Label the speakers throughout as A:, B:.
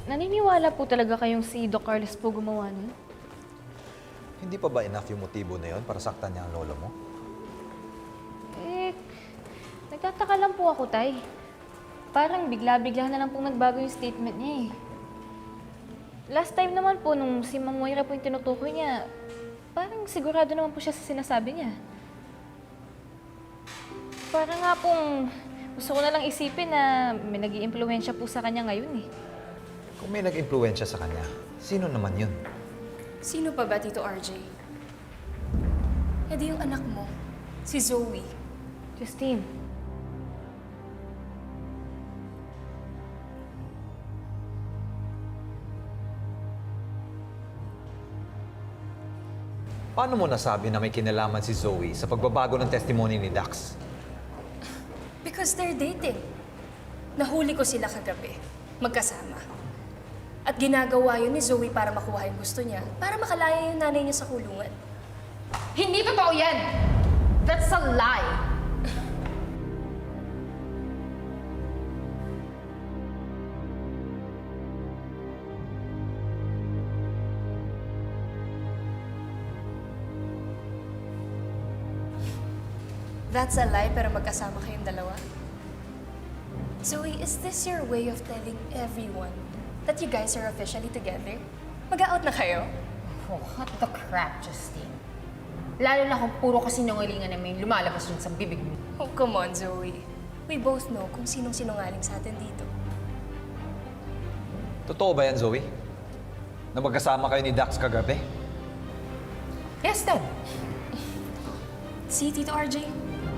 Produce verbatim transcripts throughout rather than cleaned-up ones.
A: naniniwala po talaga kayong si Doc Carlos po gumawa nun?
B: Hindi pa ba enough yung motibo na yon para saktan niya ang lolo mo?
A: Eh, nagtataka lang po ako, Tay. Parang bigla-bigla na lang pong nagbago yung statement niya eh. Last time naman po, nung si Ma'am Moira po yung tinutukoy niya, parang sigurado naman po siya sa sinasabi niya. Parang nga pong gusto ko na lang isipin na may nag-iimpluwensya po sa kanya ngayon eh.
B: Kung may nag-impluensya sa kanya, sino naman yun?
C: Sino pa ba, Tito R J? E di yung anak mo, si Zoe.
A: Justine,
B: Paano mo nasabi na may kinalaman si Zoe sa pagbabago ng testimony ni Dax?
C: Because they're dating. Nahuli ko sila kagabi, magkasama. At ginagawa yun ni Zoe para makuha yung gusto niya, para makalaya yung nanay niya sa kulungan.
D: Hindi totoo yan! That's a lie!
C: That's a lie, pero magkasama kayong dalawa? Zoe, is this your way of telling everyone that you guys are officially together? Mag-out na kayo?
D: Oh, what the crap, Justine. Lalo na kung puro kasinungalingan na may lumalabas dun sa bibig mo.
C: Oh, come on, Zoe. We both know kung sinong sinungaling sa atin dito.
B: Totoo ba yan, Zoe? Na magkasama kayo ni Dax kagabi?
D: Yes, Dad.
C: Si Tito R J?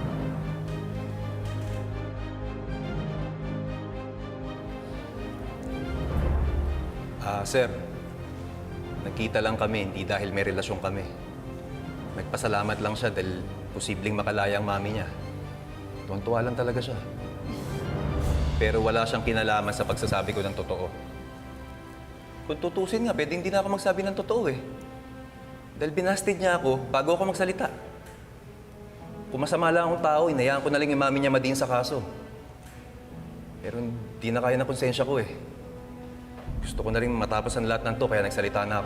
E: Ah, sir. Nagkita lang kami, hindi dahil may relasyon kami. Nagpasalamat lang siya dahil posibleng makalaya ang mami niya. Tuwan-tuwa lang talaga siya. Pero wala siyang kinalaman sa pagsasabi ko ng totoo. Kung tutusin nga, pwede hindi na ako magsabi ng totoo eh. Dahil binasted niya ako bago ako magsalita. Kung masama lang akong tao, inayaan ko na lang yung mami niya madiin sa kaso. Pero hindi na kaya ng konsensya ko eh. Gusto ko na rin matapos ang lahat ng to, kaya nagsalita na ako.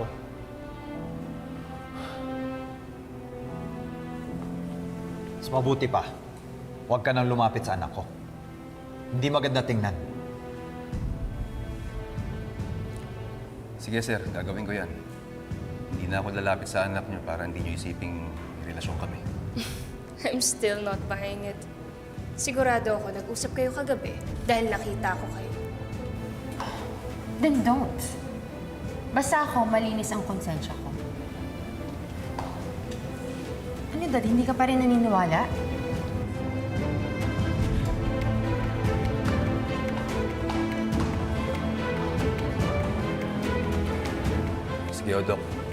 B: Mas mabuti pa, huwag ka nang lumapit sa anak ko. Hindi maganda tingnan.
E: Sige sir, gagawin ko yan. Hindi na ako lalapit sa anak niyo para hindi niyo isiping may relasyon kami.
C: I'm still not buying it. Sigurado ako nag-usap kayo kagabi dahil nakita ko kayo.
D: Then don't. Basta ako, malinis ang konsensya ko. Ano, Dad? Hindi ka pa rin naniniwala?
E: Sige, o, Doc.